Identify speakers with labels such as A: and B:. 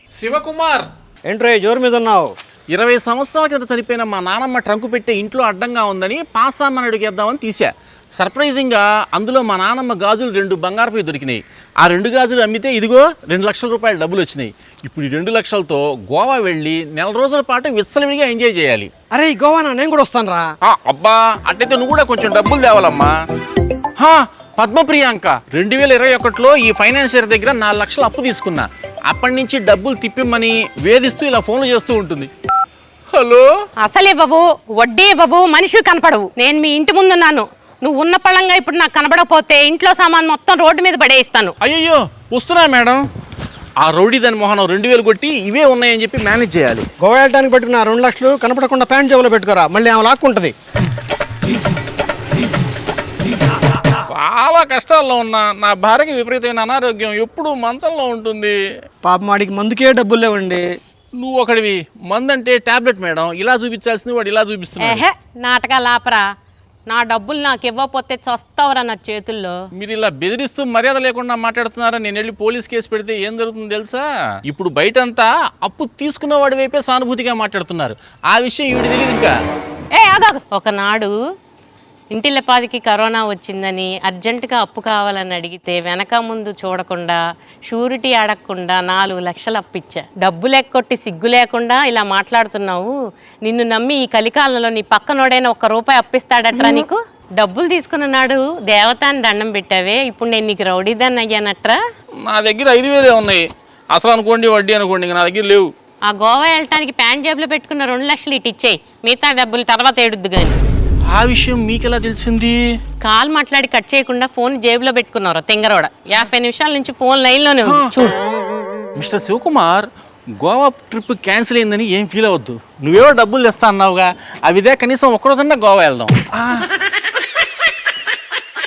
A: శివకుమార్
B: ఏంట్రో జోరు మీద ఉన్నావు?
A: 20 సంవత్సరాల కింద చనిపోయిన మా నానమ్మ ట్రంకు పెట్టే ఇంట్లో అడ్డంగా ఉందని పాసామని అడిగేద్దామని తీసా. సర్ప్రైజింగ్గా అందులో మా నానమ్మ గాజులు 2 బంగారపు దొరికినాయి. ఆ 2 గాజులు అమ్మితే ఇదిగో 2 లక్షల రూపాయలు డబ్బులు వచ్చినాయి. ఇప్పుడు ఈ 2 లక్షలతో గోవా వెళ్ళి 4 రోజుల పాటు విచ్చలవిడిగా ఎంజాయ్ చేయాలి.
B: అరే గోవానా, నేను కూడా వస్తాను రా.
A: అబ్బా అట్టయితే నువ్వు కూడా కొంచెం డబ్బులు తేవాలమ్మా. పద్మప్రియాంక 2021లో ఈ ఫైనాన్షియర్ దగ్గర 4 లక్షలు అప్పు తీసుకున్నా. అప్పటి నుంచి డబ్బులు తిప్పిమ్మని వేధిస్తూ ఇలా ఫోన్లు చేస్తూ ఉంటుంది. హలో,
C: అసలే బాబు వడ్డీ బాబు మనిషి కనపడవు. నేను మీ ఇంటి ముందున్నాను. నువ్వు ఉన్న పళ్ళంగా ఇప్పుడు నాకు కనబడకపోతే ఇంట్లో సామాన్ మొత్తం రోడ్డు మీద పడేయిస్తాను.
A: అయ్యో వస్తున్నా మేడం. ఆ రౌడీ దాని మొహనం 2000 కొట్టి ఇవే ఉన్నాయని చెప్పి మేనేజ్ చేయాలి.
B: గోవా వెళ్ళడానికి పెట్టుకున్న 2 లక్షలు కనపడకుండా ప్యాంట్ జేబులో పెట్టుకోరా, మళ్ళీ ఆమె లాక్కుంటది.
A: చాలా కష్టాల్లో ఉన్నా. నా భార్యకి విపరీతమైన అనారోగ్యం, ఎప్పుడు మంచంలో ఉంటుంది.
B: పాపం వాడికి మందుకే డబ్బులు లేవండి.
A: నువ్వు ఒకడివి, మందంటే టాబ్లెట్ మేడం. ఇలా చూపించాల్సింది వాడు ఇలా చూపిస్తున్నాడు.
C: నాటకాలు ఆపరా. నా డబ్బులు నాకు ఇవ్వకపోతే చస్తావరా నా చేతుల్లో.
A: మీరు ఇలా బెదిరిస్తూ మర్యాద లేకుండా మాట్లాడుతున్నారా? నేను వెళ్ళి పోలీస్ కేసు పెడితే ఏం జరుగుతుందో తెలుసా? ఇప్పుడు బయటంతా అప్పు తీసుకున్న వాడి వైపే సానుభూతిగా మాట్లాడుతున్నారు. ఆ విషయం ఈవిడ తెలియదు ఇంకా.
C: ఆగాగు. ఒకనాడు ఇంటిల్లపాదికి కరోనా వచ్చిందని అర్జెంటుగా అప్పు కావాలని అడిగితే వెనక ముందు చూడకుండా షూరిటీ అడగకుండా 4 లక్షలు అప్పిచ్చా. డబ్బు లెక్కొట్టి సిగ్గు లేకుండా ఇలా మాట్లాడుతున్నావు. నిన్ను నమ్మి ఈ కలికాలంలో నీ పక్కనోడైనా 1 రూపాయి అప్పిస్తాడట్రా నీకు? డబ్బులు తీసుకున్నాడు దేవతాన్ని దండం పెట్టావే, ఇప్పుడు నేను నీకు రౌడీదాన్ని అయ్యానట్రా?
A: నా దగ్గర 5000 ఉన్నాయి. అసలు అనుకోండి వడ్డీ అనుకోండి, నా దగ్గర లేవు.
C: ఆ గోవా వెళ్ళటానికి ప్యాంట్ జేబులో పెట్టుకున్న 2 లక్షలు ఇటు ఇచ్చేయి, మిగతా డబ్బులు తర్వాత ఏడుద్దు కానీ.
A: ఆ విషయం మీకెలా తెలిసింది?
C: కాల్ మాట్లాడి కట్ చేయకుండా ఫోన్ జేబులో పెట్టుకున్నారు తెంగరోడ. 50 నిమిషాల నుంచి ఫోన్ లైన్లోనే ఉంది చూడు.
A: Mister Shivakumar, Goa trip cancel అయిందని ఏం ఫీల్ అవ్వద్దు. నువ్వేవో డబ్బులు తెస్తా అన్నావుగా, అవిదే కనీసం 1 రోజన్నా గోవా వెళ్దాం.